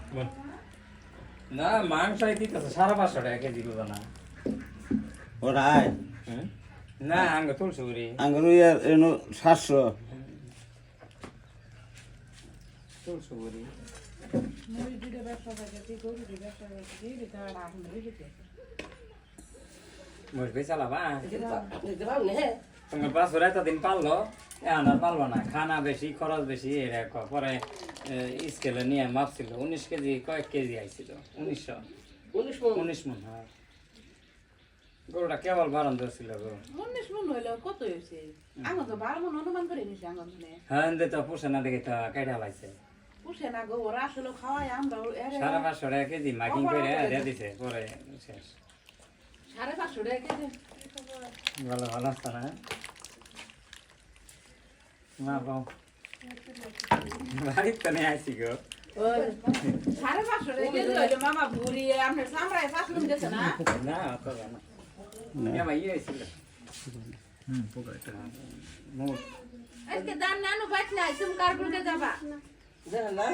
না মাংস দিতেছে 550 টাকা কেজি বলো না ওরাই না আঙ্গ তুলছো রে আঙ্গুর ইয়ার এনো 700 তুলছো রে মুরগি চালাবা তোমার পাঁচশো এতদিন পারলো এখন আর পারলো না খানা বেশি খরচ বেশি এরকম পরে স্কেলে নিয়ে মাপছিল 19 কেজি কয়েক কেজি আইছিল 19 মন হ্যাঁ গরুটা কেবল বারণ ধরছিল গরু 19 মন হইলো কত হইছে আমি তো 12 মন অনুমান করে নিছি আঙ্গনে হ্যাঁ দে তো পুষে না দেখে তো কাইটা লাইছে পুষে না গো ওরা আসলে খাওয়াই আমরা 550 টাকা কেজি মাইকিং করে দিয়ে দিছে পরে শেষ 550 টাকা কেজি ভালো ভালো আছে না মা বাবা বাড়িতে নিয়ে আসি গো 550 টাকা কেজি হইলো মামা ভুরি আপনার সামরায় ফাসলুম গেছে না না তো না না ভাই আইছিল পোকাটা মোট আজকে দান নানু বাইট না তুমি কারগুলকে যাবা জানা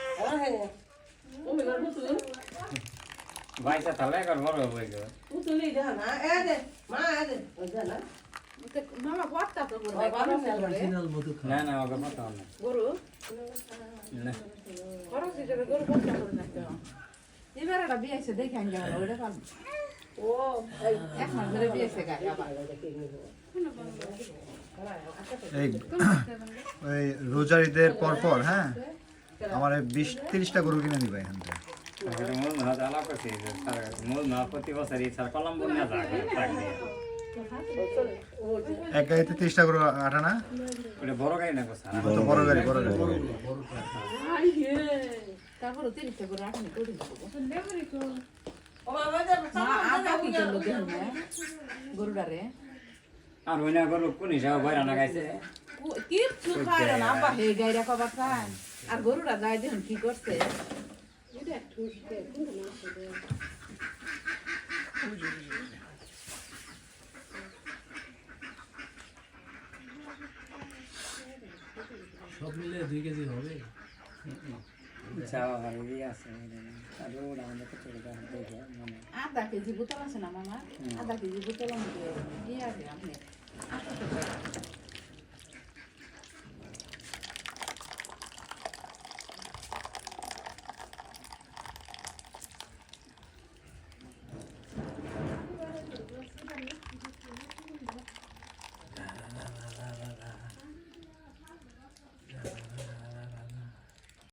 ও মেলা বুতুল ভাইসা তাহলে একবার বড় হয়ে গেল বুতুলি জানা এ দে মা এ দে জানা মামা বড়টা তো গরু না না ওকে মতো না গরু না খরচ হিসেবে গরু বড়টা করে না তো এবার এটা বিয়েছে দেখে আন যাবো ওটা পাবো ও এই এক মাস ধরে বিয়েছে গায় আবার এই ওই রোজার ঈদের পর হ্যাঁ আমার 20-30টা গরু কিনে নিবা এখান থেকে এটা মূল না জ্বালা করছি মূল না প্রতি বছরই স্যার কলম বন্যা থাকে থাকবে এক গাড়িতে 30টা গরু আটা না ওটা বড় গাড়ি না স্যার তো বড় গাড়ি তারপর 30টা করে রাখনি করে দেবো ও বাবা যা আটা কি করলো দেখুন গরুটারে আর ওই না গরু কোন হিসাবে বাইরে না গাইছে কিচ্ছু খায় না আব্বা হে গাইরা কবার খায় আর গরুটা গায়ে দেখুন কি করছে সব মিলে 2 কেজি হবে চাওয়া ভালো আছে আর ওরা আমাদের তো চলে যাবে দেখে মানে 1/2 কেজি বোতল আছে না মামা 1/2 কেজি বোতল দিয়ে আছে আপনি